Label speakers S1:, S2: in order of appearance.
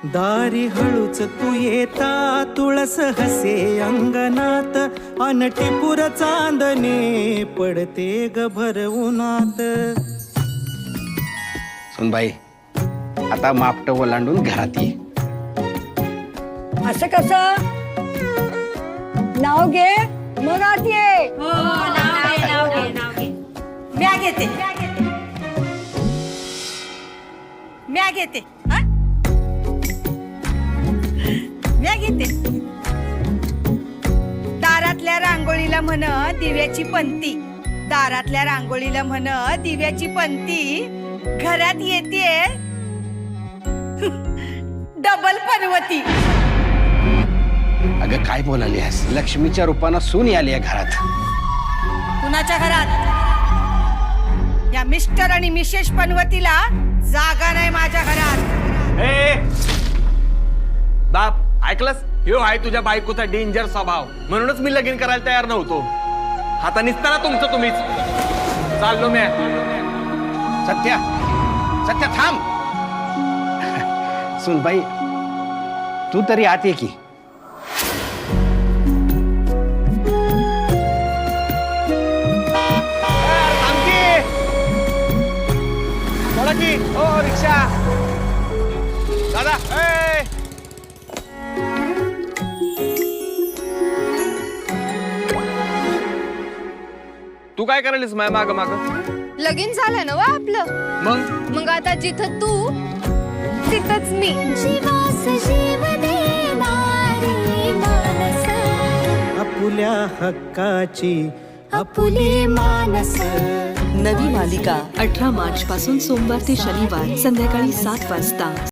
S1: दारी हळूच तू येता तुळस हसे अंगणात अन टिपूर चांदणे पडते ग भर उन्हात.
S2: सुनबाई आता मापट ओलांडून घरात ये.
S3: असं कसं? नाव घे मग आत ये.
S4: म्या घेते म्या घेते हा? म्या घेते. दारातल्या रांगोळीला म्हण दिव्याची पंती, दारातल्या रांगोळीला म्हण दिव्याची पंती, घरात येते डबल पर्वती.
S2: अगं काय बोलालीस? लक्ष्मीच्या रूपानं सून आली आहे घरात.
S4: कुणाच्या घरात? या मिस्टर आणि मिसेस पनवतीला जागा नाही माझ्या घरात.
S5: ए बाप ऐकलंस? ह्यो आहे तुझ्या बायकोचा डेंजर स्वभाव, म्हणूनच मी लगीन करायला तयार नव्हतो. आता निसताना तुमचं तुम्हीच. चाललो मी.
S2: सत्या सत्या थांब. सुनबाई तू तरी आत ये की.
S5: बोला की. ओ रिक्षा दादा. ए तू काय करायलीस माय माग माग?
S6: लगीन झालं ना वा आपलं. मग आता जिथं तू तिथंच मी.
S1: आपुल्या हक्काची आपुली मानस.
S7: नवी मालिका 18 मार्च पासून सोमवार ते शनिवार संध्याकाळी 7 वाजता.